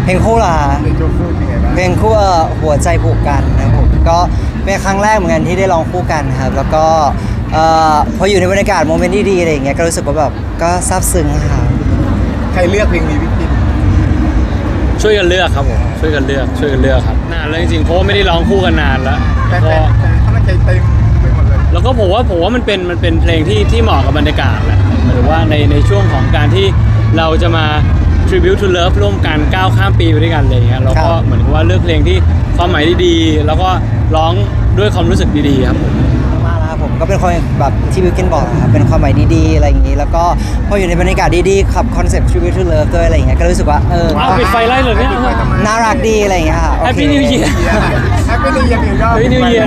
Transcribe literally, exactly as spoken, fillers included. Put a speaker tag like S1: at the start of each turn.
S1: เพลงคู่ล่ะ
S2: เพลงโจ๊กคู่เป็นไงบ้าง
S1: เพลงคู่เอ่อหัวใจผูกกันนะครับผมก็เป็นครั้งแรกเหมือนกันที่ได้ร้องคู่กันครับแล้วก็เอ่อพออยู่ในบรรยากาศโมเมนต์ที่ดีอะไรอย่างเงี้ยก็รู้สึกว่าแบบก็ซาบซึ้งครับ
S2: ใครเลือกเพลงนี้พี่ปิน
S3: ช่วยกันเลือกครับผมช่วยกันเลือกช่วยกันเลือกครับนานแล้วจริงๆเพราะว่าไม่ได้ร้องคู่กันนานแล้ว
S2: แต่
S3: ก็
S2: แต่แต่เขาตั้งใจเต็มไปหมดเลย
S3: แล้วก็ผมว่าผมว่ามันเป็นมันเป็นเพลงที่ที่เหมาะกับบรรยากาศแหละหมายถึงว่าในในช่วงของการที่เราจะมา tribute to love ร่วมกันก้าวข้ามปีไปด้วยกันอะไรอย่างเงี้ยเราก็เหมือนกับว่าเลือกเพลงที่ความหมายดีๆแล้วก็ร้องด้วยความรู้สึกดีๆครับผม
S1: มากแล้วครับผมก็เป็นคนแบบที่บิวกินบอกนะครับเป็นความหมายดีๆอะไรอย่างงี้แล้วก็พออยู่ในบรรยากาศดีๆขับคอนเซ็ปต์ tribute to love ด้วยอะไรอย่างเงี้ยก็รู้สึกว่าเออ
S3: เอาปิดไฟไล่เลยเนี่ย
S1: น่ารักดีอะไรอย่างเงี้ยค่ะโอเค
S3: Happy New Year
S2: แฮปปี้นิวเยียร์
S3: Happy New Year